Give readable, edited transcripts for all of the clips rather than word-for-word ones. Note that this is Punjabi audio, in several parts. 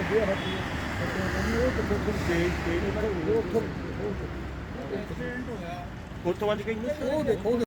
ਉੱਥੋਂ ਵੱਜ ਗਈ ਉਹ ਦੇਖੋ।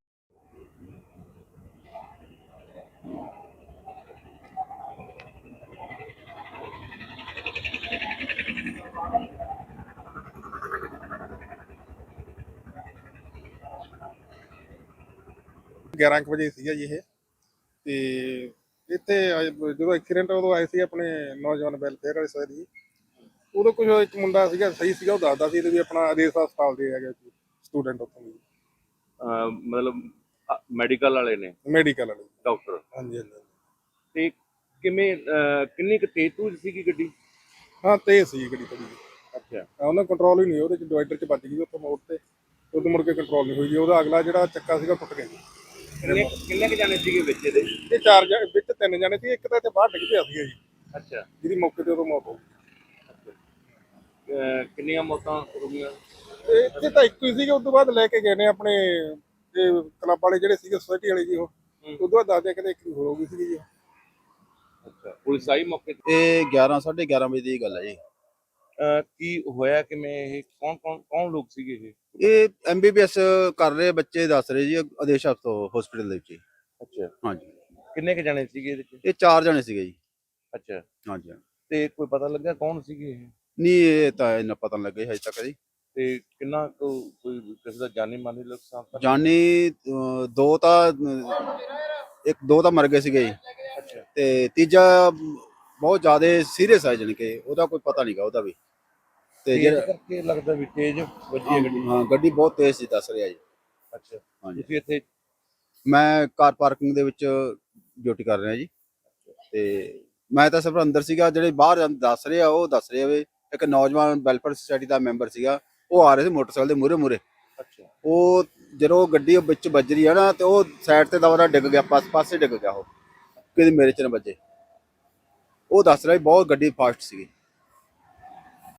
ਗਿਆਰਾਂ ਕੁ ਵਜੇ ਸੀਗਾ ਜੀ ਇਹ। ਤੇ ਇੱਥੇ ਜਦੋਂ ਐਕਸੀਡੈਂਟ ਉਦੋਂ ਆਏ ਸੀ ਆਪਣੇ ਨੌਜਵਾਨ ਵੈਲਫੇਅਰ ਵਾਲੇ ਸਰ ਜੀ। ਉਦੋਂ ਕੁਝ ਇੱਕ ਮੁੰਡਾ ਸੀਗਾ ਸਹੀ ਸੀਗਾ, ਉਹ ਦੱਸਦਾ ਸੀ ਵੀ ਆਪਣਾ ਆਦੇਸ਼ ਹਸਪਤਾਲ ਦੇ ਹੈਗੇ ਸਟੂਡੈਂਟ ਉੱਥੋਂ ਦੀ, ਮਤਲਬ ਮੈਡੀਕਲ ਵਾਲੇ ਨੇ, ਮੈਡੀਕਲ ਵਾਲੇ ਡਾਕਟਰ। ਹਾਂਜੀ ਹਾਂਜੀ। ਤੇ ਕਿੰਨੇ ਕੁ ਤੇਜ਼ ਤੂਜ ਸੀਗੀ ਗੱਡੀ? ਹਾਂ ਤੇਜ਼ ਸੀ ਗੱਡੀ ਥੋੜੀ ਜਿਹੀ। ਅੱਛਾ। ਉਹਨਾਂ ਕੰਟਰੋਲ ਹੀ ਨਹੀਂ, ਉਹਦੇ ਚ ਡਿਵਾਈਡਰ ਚ ਵੱਜ ਗਈ ਉੱਥੇ ਮੋੜ ਤੇ, ਉਦੋਂ ਮੁੜ ਕੇ ਕੰਟਰੋਲ ਨਹੀਂ ਹੋਈ ਜੀ। ਉਹਦਾ ਅਗਲਾ ਜਿਹੜਾ ਚੱਕਾ ਸੀਗਾ ਟੁੱਟ ਗਿਆ ਜੀ। ਕਿੰਨੇ ਕੁ ਜਾਣੇ ਸੀਗੇ ਵਿੱਚ ਇਹਦੇ? ਇਹ ਚਾਰ ਵਿੱਚ ਤਿੰਨ ਜਾਣੇ ਸੀ, ਇੱਕ ਤਾਂ ਇੱਥੇ ਬਾਹਰ ਡਿੱਗ ਪਿਆ ਸੀਗਾ ਜੀ। ਅੱਛਾ। ਜਿਹਦੀ ਮੌਕੇ ਤੇ ਉਦੋਂ ਮੌਤ ਹੋ ਗਈ। ਕਿੰਨੀਆਂ ਮੌਤਾਂ ਹੋ ਗਈਆਂ? ਇੱਥੇ ਤਾਂ ਇੱਕੋ ਹੀ ਸੀਗਾ, ਉਸ ਤੋਂ ਬਾਅਦ ਲੈ ਕੇ ਗਏ ਨੇ ਆਪਣੇ ਇਹ ਕਲੱਬ ਵਾਲੇ ਜਿਹੜੇ ਸੀਗੇ ਸੋਸਾਇਟੀ ਵਾਲੇ ਜੀ। ਉਹ ਉਸ ਤੋਂ ਬਾਅਦ ਦੱਸਦੇ ਕਹਿੰਦੇ ਇੱਕ ਹੋ ਗਈ ਸੀਗੀ ਜੀ। ਅੱਛਾ, ਪੁਲਿਸ ਆਈ ਮੌਕੇ ਤੇ? ਇਹ 11:30 ਵਜੇ ਦੀ ਗੱਲ ਹੈ ਜੀ। ਕੀ ਹੋਇਆ ਕਿਵੇਂ? ਇਹ ਕੌਣ ਲੋਕ ਸੀਗੇ ਇਹ? ਇਹ MBBS ਕਰ ਰਹੇ ਬੱਚੇ ਦੱਸ ਰਹੇ ਜੀ, ਆਦੇਸ਼ ਹਸਪੀਟਲ ਦੇ ਵਿੱਚ। ਅੱਛਾ। ਹਾਂਜੀ। ਕਿੰਨੇ ਕੁ ਜਾਣੇ ਸੀਗੇ ਇਹਦੇ ਚ? ਇਹ 4 ਜਣੇ ਸੀਗੇ ਜੀ। ਅੱਛਾ। ਹਾਂਜੀ। ਤੇ ਕੋਈ ਪਤਾ ਲੱਗਾ ਕੌਣ ਸੀਗੇ ਇਹ? ਨਹੀਂ, ਇਹ ਤਾਂ ਇੰਨਾ ਪਤਾ ਨਹੀਂ ਲੱਗਿਆ ਹਜੇ ਤੱਕ ਜੀ। ਤੇ ਕਿੰਨਾ ਕੋਈ ਕਿਸੇ ਦਾ ਜਾਨੀ ਮਾਨੀ ਨੁਕਸਾਨ ਤਾਂ? ਜਾਨੀ ਦੋ ਤਾਂ ਮਰ ਗਏ ਸੀਗੇ ਜੀ। ਅੱਛਾ। ਤੇ ਤੀਜਾ ਬਹੁਤ ਜ਼ਿਆਦਾ ਸੀਰੀਅਸ ਹੈ, ਜਾਣੀ ਕਿ ਉਹਦਾ ਕੋਈ ਪਤਾ ਨਹੀਂਗਾ ਉਹਦਾ ਵੀ। ਤੇ ਜਿਹੜਾ ਕਰਕੇ ਲੱਗਦਾ ਵੀ ਤੇਜ਼ ਵੱਜੀ ਹੈ ਗੱਡੀ? ਹਾਂ, ਗੱਡੀ ਬਹੁਤ ਤੇਜ਼ ਸੀ ਦੱਸ ਰਿਹਾ ਜੀ। ਅੱਛਾ। ਹਾਂਜੀ। ਤੁਸੀਂ ਇੱਥੇ? ਮੈਂ ਕਾਰ ਪਾਰਕਿੰਗ ਦੇ ਵਿੱਚ ਡਿਊਟੀ ਕਰ ਰਿਹਾ ਜੀ। ਤੇ ਮੈਂ ਤਾਂ ਸਿਰਫ ਅੰਦਰ ਸੀਗਾ। ਜਿਹੜੇ ਬਾਹਰ ਦੱਸ ਰਹੇ ਆ ਉਹ ਦੱਸ ਰਹੇ ਆ ਵੀ ਇੱਕ ਨੌਜਵਾਨ ਵੈਲਫੇਅਰ ਸੁਸਾਇਟੀ ਦਾ ਮੈਂਬਰ ਸੀਗਾ, ਉਹ ਆ ਰਹੇ ਸੀ ਮੋਟਰਸਾਈਕਲ ਦੇ ਮੂਹਰੇ। ਅੱਛਾ। ਉਹ ਜਦੋਂ ਗੱਡੀ ਵਿੱਚ ਵੱਜ ਰਹੀ ਆ ਨਾ, ਤੇ ਉਹ ਸਾਈਡ ਤੇ ਦਵਾ ਡਿੱਗ ਗਿਆ, ਪਾਸੇ ਡਿੱਗ ਗਿਆ। ਉਹ ਕਿਤੇ ਮੇਰੇ ਚ ਨਾ ਵੱਜੇ। ਉਹ ਦੱਸ ਰਿਹਾ ਬਹੁਤ ਗੱਡੀ ਫਾਸਟ ਸੀਗੀ।